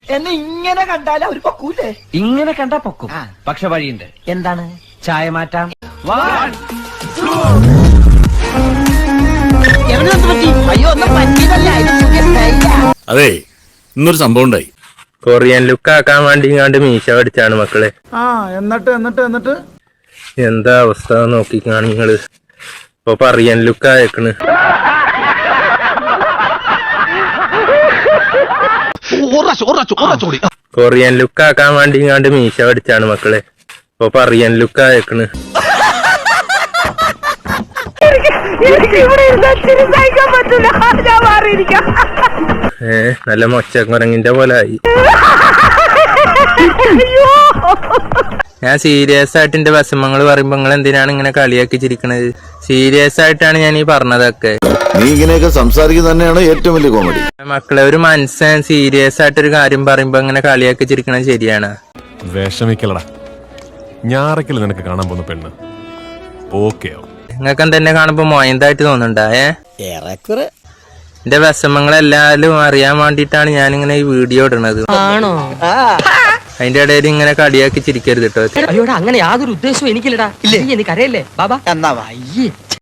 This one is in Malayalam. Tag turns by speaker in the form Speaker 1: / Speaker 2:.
Speaker 1: എന്നെ ഇങ്ങനെ കണ്ടാൽ അവർ പൊക്കൂലേ?
Speaker 2: ഇങ്ങനെ കണ്ടാ പൊക്കും, പക്ഷെ വഴിയുണ്ട്.
Speaker 1: എന്താണ്?
Speaker 2: ചായ മാറ്റാം.
Speaker 1: അയ്യോ ഒന്നും പറ്റിയതല്ല.
Speaker 3: അതെ, ഇന്നൊരു സംഭവം ഉണ്ടായി.
Speaker 4: കൊറിയൻ ലുക്ക് ആക്കാൻ വേണ്ടി ഇങ്ങാണ്ട് മീശ പഠിച്ചാണ് മക്കളെ.
Speaker 5: എന്നിട്ട്
Speaker 4: എന്താ അവസ്ഥ നോക്കിക്കാണ് നിങ്ങള്. ഇപ്പൊ കൊറിയൻ ലുക്ക് ആയേക്കണ്. കൊറിയൻ ലുക്ക് ആക്കാൻ വേണ്ടി ഇങ്ങാണ്ട് മീശ പഠിച്ചാണ് മക്കളെ. ഇപ്പൊ കൊറിയൻ ലുക്ക് ആയേക്കണ്. നല്ല മൊച്ചക്കുരങ്ങിന്റെ പോലെ ആയി. ഞാൻ സീരിയസ് ആയിട്ട് എന്റെ വിഷമങ്ങൾ പറയുമ്പോ നിങ്ങൾ എന്തിനാണ് ഇങ്ങനെ കളിയാക്കി ചിരിക്കണത്? സീരിയസ് ആയിട്ടാണ് ഞാൻ ഈ പറഞ്ഞതൊക്കെ.
Speaker 3: നീ ഇങ്ങനെയൊക്കെ സംസാരിക്കുന്നത് തന്നെയാണ് ഏറ്റവും വലിയ കോമഡി.
Speaker 4: മക്കളെ, ഒരു മനസ്സൻ സീരിയസ് ആയിട്ടൊരു കാര്യം പറയുമ്പോ ഇങ്ങനെ കളിയാക്കി ചിരിക്കണത് ശരിയാണ്?
Speaker 6: വിഷമിക്കലടാ, ഞാറക്കല് നിനക്ക് കാണാൻ പോകുന്ന പെണ്ണ് ഓക്കെയോ?
Speaker 4: നിങ്ങൾക്ക് എന്തെന്നെ കാണുമ്പോ മോയന്തായിട്ട് തോന്നുന്നുണ്ടാ?
Speaker 1: ഏറെക്കുറെ
Speaker 4: എന്റെ വിഷമങ്ങളെല്ലാരും അറിയാൻ വേണ്ടിട്ടാണ് ഞാനിങ്ങനെ ഈ വീഡിയോ ഇടണത്.
Speaker 1: ആണോ?
Speaker 4: അതിന്റെ ഇടയിൽ ഇങ്ങനെ കളിയാക്കി ചിരിക്കരുത് കേട്ടോ.
Speaker 1: അയ്യോടാ, അങ്ങനെ യാതൊരു ഉദ്ദേശവും എനിക്കില്ലടാ. എനിക്കറിയല്ലേ ബാബാ? എന്നാ